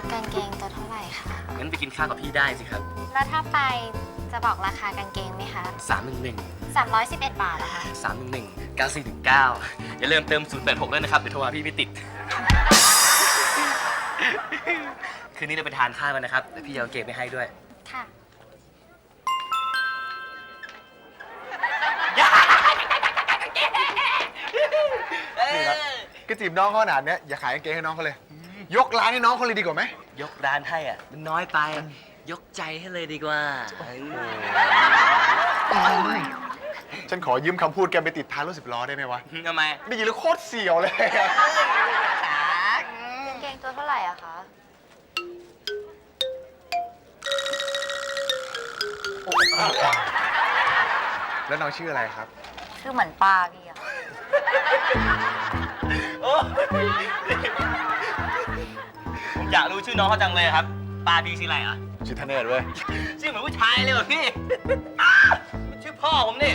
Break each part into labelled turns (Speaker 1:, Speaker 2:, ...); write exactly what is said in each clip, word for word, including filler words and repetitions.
Speaker 1: กางเกงตัวเท่าไหร่คะ
Speaker 2: งั้นไปกินข้าวกับพี่ได้สิครับ
Speaker 1: แล้วถ้าไปจะบอกราคากางเกงไหมคะ
Speaker 2: สามหนึ่งหนึ่ง
Speaker 1: สามร้อยสิบเอ็ดบาทอะคะ
Speaker 2: สามหนึ่งหนึ่งเก้าสี่หนึ่งเก้าอย่าลืมเติมศูนย์แปดหกด้วยนะครับ เดี๋ยวโทรมาพี่ไม่ติด คืนนี้เราไปทานข้าวกันนะครับเดี๋ยวพี่จะเอาเกมไปให้ด้วย
Speaker 1: ค่ะ
Speaker 3: นี่ครับก็จีบน้องเขาขนาดเนี้ยอย่าขายกางเกงให้น้องเขาเลย ยกร้านให้น้องเขาเลยดีกว่าไหม
Speaker 2: ยกร้านให้อ่ะมันน้อยไป ยกใจให้เลยดีกว่า
Speaker 3: ฉันขอยืมคำพูดแกไปติดท้ายรถสิบล้อได้ไหมวะ
Speaker 2: ทำไม
Speaker 3: ได้ยินแล้วโคตรเสียวเลย
Speaker 1: กางเกงตัวเท่าไหร่อะคะ
Speaker 3: แล้วน้องชื่ออะไรครับ
Speaker 1: ชื่อเหมือนป้าพี่อะ
Speaker 2: ผมอยากรู้ชื่อน้องเขาจังเลยครับปาดีชื่ออะไรอ่ะ
Speaker 3: ชื่อธเนศเว้ย
Speaker 2: ชื่อเหมือนผู้ชายเลยว่ะพี่ ชื่อพ่อผมนี่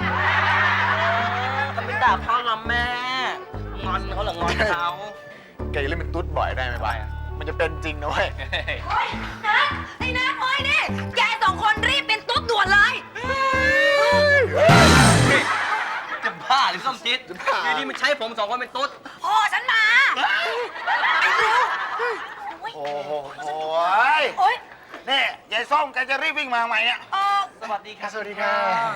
Speaker 2: ทำเป็นด่าพ่อละแม่ งอนเขาเหรองอนเขา
Speaker 3: แกอย่าเล่นเป็นตุ๊ดบ่อยได้ไหมบ้ายมันจะเป็นจริงนะเว้ย
Speaker 4: นัทไอ้นัทโอ้ยนี่แกสองคนรีบเป็นตุ๊ดด่วนเลย
Speaker 2: จะบ้าหรือส้มจิต
Speaker 3: จะบ้า
Speaker 2: อยู่นี่มันใช้ผมสองคนเป็นตุ๊ด
Speaker 4: พ่อฉันมาไอ้เร็ว
Speaker 5: โอ้โหโอ้ย
Speaker 4: โอ๊ย
Speaker 5: นี่ยายส้มแกจะรีบวิ่งมาทำไมเนี่ย
Speaker 4: เออ
Speaker 2: สวัสดีครับ
Speaker 3: สวัสดีค่ะ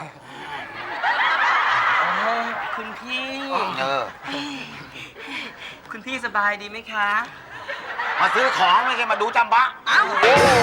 Speaker 2: อ๋อคุณพี่
Speaker 5: เออ
Speaker 2: คุณพี่สบายดีไหมคะ
Speaker 5: มาซื้อของไม่ใช่มาดูจำบะ
Speaker 2: อ้าว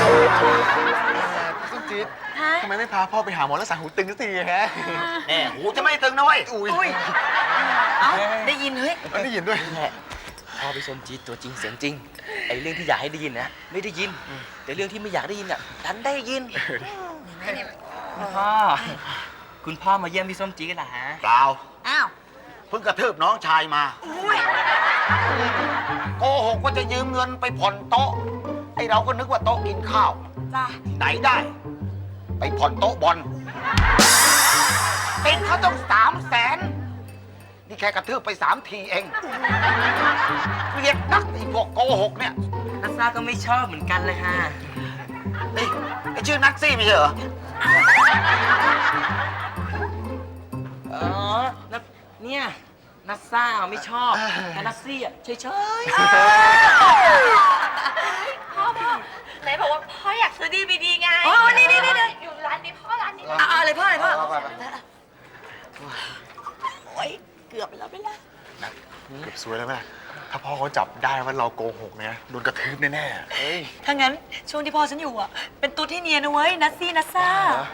Speaker 3: ส้มจี๊ดทำไมไม่พาพ่อไปหาหมอรักษาหูตึงสักทีฮะ
Speaker 5: แหมหูจะไม่ตึงนะเว้ย
Speaker 3: อุ้ย
Speaker 4: เอ้าได้ยินเฮ้ย
Speaker 3: มันได้ยินด้วย
Speaker 2: แหละพ่อไปชมจีดตัวจริงเสียงจริง ไอ้เรื่องที่อยากให้ได้ยินนะไม่ได้ยิน แต่เรื่องที่ไม่อยากได้ยินอ่ะดันได้ยินคุณพ่อ คุณพ่อมาเยี่ยมพี่ส้มจีดเหรอฮะ
Speaker 5: เปล่า
Speaker 4: อ้าว
Speaker 5: เพิ่งกระทืบน้องชายมา
Speaker 4: อุ้ย
Speaker 5: โกหกว่าจะยืมเงินไปผ่อนโต๊ะ ไอเราก็นึกว่าโต๊ะกินข้าว
Speaker 4: จ้า
Speaker 5: ไหนได้ ไปผ่อนโต๊ะบอลติดเขาต้องสามแสน นี่แค่กระทืบไปสามทีเองเกลียดนักไอพวกโกหกเนี่ย
Speaker 2: นักซ่าก็ไม่ชอบเหมือนกันเลยฮะ
Speaker 5: นี่ไอชื่อนักซี่ไม่ใช่เหรอ
Speaker 2: อ๋อนักเนี่ยนักซ่าไม่ชอบแต่นักซี่อ่ะเฉย
Speaker 4: พ่อพ่อไหนบอกว่าพ่ออยากซื้อดีวีดีไงอ๋อนี่นี่นี่อยู่ร้านนี้พ่อร้านนี้เอาอะไรพ่ออะไรพ่อโอ๊ยเกือบไปแล้วไม่ละ
Speaker 3: เกือบสวยแล้วแม่ถ้าพ่อเขาจับได้ว่าเราโกหกเนี่ยโดนกระทืบแน่ๆเฮ้ย
Speaker 4: ถ้างั้นช่วงที่พ่อฉันอยู่อ่ะเป็นตุ๊ดที่เนียนนะเว้ยนัซซี่นัซซ่า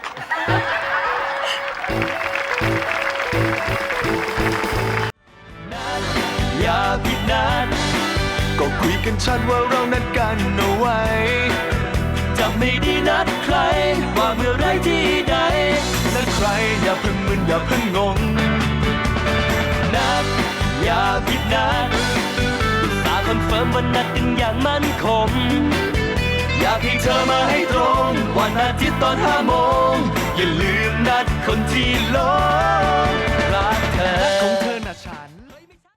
Speaker 6: อย่าผิดนัดก็คุยกันชัดว่าเรานัดกันเอาไว้ จะไม่ได้นัดใครว่าเมื่อไรที่ใดนัดใครอย่าเพิ่งมึนอย่าเพิ่งงง นัดอย่าผิดนัดอุตส่าห์คอนเฟิร์มว่านัดกันอย่างมั่นคง อยากให้เธอมาให้ตรงวันอาทิตย์ตอนห้าโมงอย่าลืมนัดคนที่หลงรักเธอ